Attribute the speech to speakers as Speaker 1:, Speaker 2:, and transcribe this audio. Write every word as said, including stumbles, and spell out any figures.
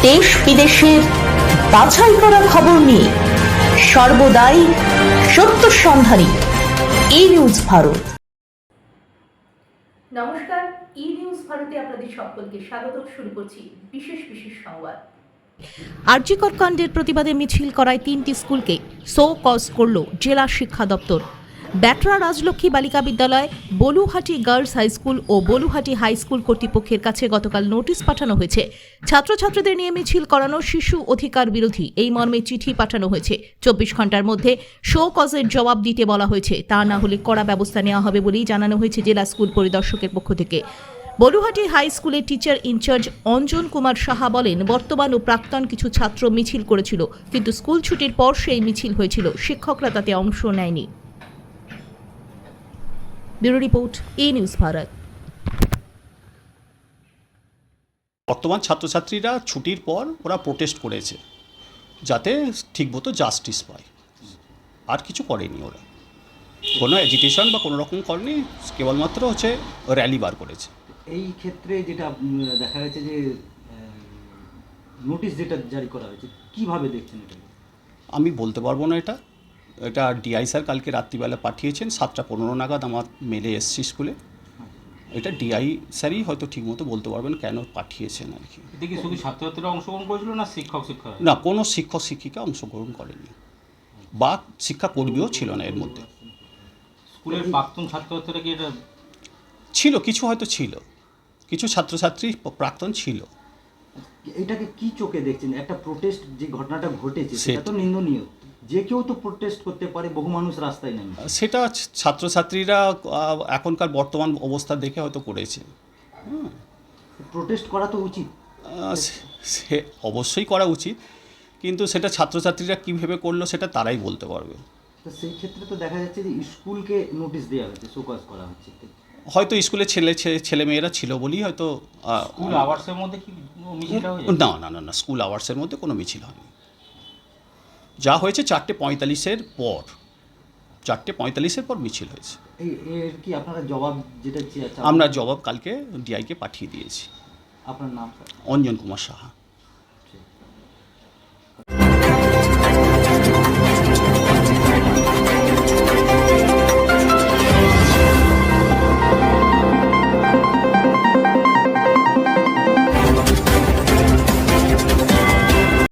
Speaker 1: দেশ বিদেশের বাছাই করা খবর নিয়ে সর্বদাই সত্য সন্ধানী ই নিউজ ভারত।
Speaker 2: নমস্কার, ই নিউজ ভারতে আপনাদের সকলকে স্বাগত। শুরু করছি বিশেষ বিশেষ সংবাদ।
Speaker 3: আরজি কর কাণ্ডের প্রতিবাদে মিছিল করায় তিনটি স্কুলকে সো কজ করল জেলা শিক্ষা দপ্তর। ব্যাটরা রাজলক্ষ্মী বালিকা বিদ্যালয়, বলুহাটি গার্লস হাই স্কুল ও বলুহাটি হাই স্কুল কর্তৃপক্ষের কাছে গতকাল নোটিশ পাঠানো হয়েছে। ছাত্রছাত্রীদের নিয়ে মিছিল করানো শিশু অধিকার বিরোধী, এই মর্মে চিঠি পাঠানো হয়েছে। চব্বিশ ঘন্টার মধ্যে শো কজের জবাব দিতে বলা হয়েছে, তা না হলে কড়া ব্যবস্থা নেওয়া হবে বলেই জানানো হয়েছে জেলা স্কুল পরিদর্শকের পক্ষ থেকে। বলুহাটি হাই স্কুলের টিচার ইনচার্জ অঞ্জন কুমার সাহা বলেন, বর্তমান ও প্রাক্তন কিছু ছাত্র মিছিল করেছিল, কিন্তু স্কুল ছুটির পর সেই মিছিল হয়েছিল, শিক্ষকরা তাতে অংশ নেয়নি। Bureau report, E news Bharat.
Speaker 4: বর্তমান ছাত্রছাত্রীরা ছুটির পর ওরা প্রোটেস্ট করেছে যাতে ঠিকমতো জাস্টিস পায়, আর কিছু করেনি। ওরা কোনো এজিটেশন বা কোনো রকম করেনি, কেবলমাত্র হচ্ছে র্যালি বার করেছে।
Speaker 5: এই ক্ষেত্রে যেটা দেখা গেছে যে নোটিশ যেটা জারি করা হয়েছে, কিভাবে দেখছেন এটা?
Speaker 4: আমি বলতে পারবো না এটা এটা ডিআই স্যার কালকে রাত্রিবেলা পাঠিয়েছেন, সাতটা পনেরো নাগাদ আমার মেলে এসছি স্কুলে। এটা ডিআই স্যারই হয়তো ঠিকমতো বলতে পারবেন কেন পাঠিয়েছেন আর কি।
Speaker 6: এতে কি শুধু ছাত্রছাত্রীরা অংশগ্রহণ করেছিল না শিক্ষক শিক্ষক?
Speaker 4: না, কোনো শিক্ষক শিক্ষিকা অংশগ্রহণ করেনি বা শিক্ষাকর্মীও ছিল না এর মধ্যে।
Speaker 6: স্কুলের প্রাক্তন ছাত্রছাত্রীরা কি এটা
Speaker 4: ছিল, কিছু হয়তো ছিল, কিছু ছাত্রছাত্রী প্রাক্তন ছিল।
Speaker 5: এটাকে কি চোখে দেখছেন? একটা প্রোটেস্ট যে ঘটনাটা ঘটেছে
Speaker 4: সে-
Speaker 5: সেটা তো নিন্দনীয়। যে কেউ তো প্রোটেস্ট করতে পারে, বহু মানুষ রাস্তায় নেমে।
Speaker 4: সেটা ছাত্রছাত্রীরা আহ, এখনকার বর্তমান অবস্থা দেখে হয়তো করেছে।
Speaker 5: প্রোটেস্ট করা তো উচিত।
Speaker 4: আহ, সে- সে অবশ্যই করা উচিত, কিন্তু সেটা ছাত্রছাত্রীরা কী ভেবে করলো সেটা তারাই বলতে পারবে।
Speaker 5: তো সেই ক্ষেত্রে তো দেখা যাচ্ছে যে স্কুলকে নোটিশ দেওয়া হচ্ছে, শোকজ করা হচ্ছে।
Speaker 4: হয়তো স্কুলে ছেলে ছে- ছেলেমেয়েরা ছিল বলেই হয়তো আহ,
Speaker 6: স্কুল আওয়ার্সের মধ্যে কি মিছিলটা হয়ে
Speaker 4: না না না না স্কুল আওয়ার্সের মধ্যে কোনো মিছিল হয়নি। যা হয়েছে চারটে পঁয়তাল্লিশের পর, চারটে পঁয়তাল্লিশের পর মিছিল হয়েছে।
Speaker 5: এই এর কি আপনারা জবাব যেটা চেয়ে-
Speaker 4: আমরা জবাব কালকে ডিআইকে পাঠিয়ে দিয়েছি।
Speaker 5: আপনার নাম স্যার?
Speaker 4: অঞ্জন কুমার সাহা।